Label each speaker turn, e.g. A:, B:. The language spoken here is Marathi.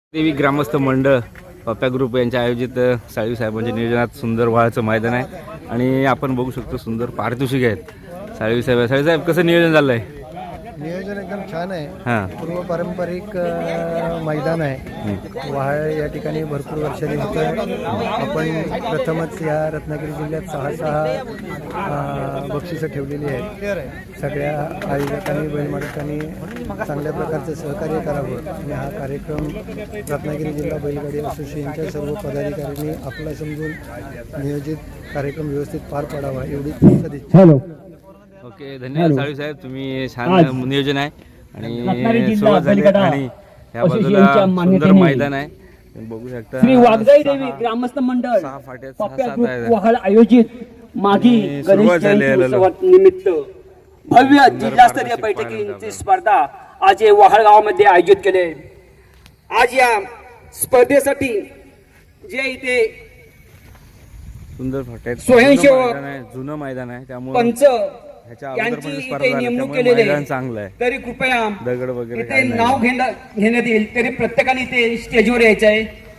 A: देवी ग्रामस्थ मंडळ पप्प्या ग्रुप यांच्या आयोजित साळवी साहेबांच्या नियोजनात सुंदर व्हाळाचं मैदान आहे आणि आपण बघू शकतो सुंदर पारितोषिक आहेत साळवी साहेब कसं नियोजन झालं आहे?
B: नियोजन एकदम छान आहे.
A: हां
B: पूर्व पारंपरिक मैदान आहे. व्हाळ या ठिकाणी भरपूर वर्षांनी होतं. आपण प्रथमच या रत्नागिरी जिल्ह्यात 6 बक्षिसं ठेवलेली आहेत. सगळ्या आयोजकांनी बैलमालकांनी चांगल्या प्रकारचं सहकार्य करावं आणि हा कार्यक्रम रत्नागिरी जिल्हा बैलगाडी असोसिएशनच्या सर्व पदाधिकाऱ्यांनी आपला समजून नियोजित कार्यक्रम व्यवस्थित पार पाडावा एवढीच सदिच्छा.
A: ओके, धन्यवाद साळवी साहेब, तुम्ही छान नियोजन आहे आणि सुरुवात झाली आणि या बाजूला सुंदर मैदान आहे. बघू शकता
C: श्री वाघजाई देवी ग्रामस्थ मंडळ
A: 6 फाट्यात
C: पप्प्या
A: 6-7
C: ग्रुप
A: आहे.
C: वहाळ आयोजित मागी
A: सुरुवात
C: गणेश
A: झाली आहे.
C: जयंती उत्सवानिमित्त भव्य जिल्हास्तरीय बैठकींची स्पर्धा आज या वहाळ गावामध्ये आयोजित केले. आज या स्पर्धेसाठी जे इथे
A: सुंदर फाट्यात
C: स्वयंसेवक
A: जुनं मैदान आहे त्यामुळे
C: पंच
A: ह्याच्या अगोदर
C: यांची
A: पण
C: इथे
A: स्पर्धा झाली
C: नेमणूक
A: त्यामुळे
C: केलेली
A: मैदान
C: आहे.
A: चांगलं आहे.
C: तरी कृपया
A: दगड वगैरे
C: इथे
A: काही नाही.
C: नाव घेण्यात येईल तरी प्रत्येकाने इथे स्टेजवर यायचं आहे.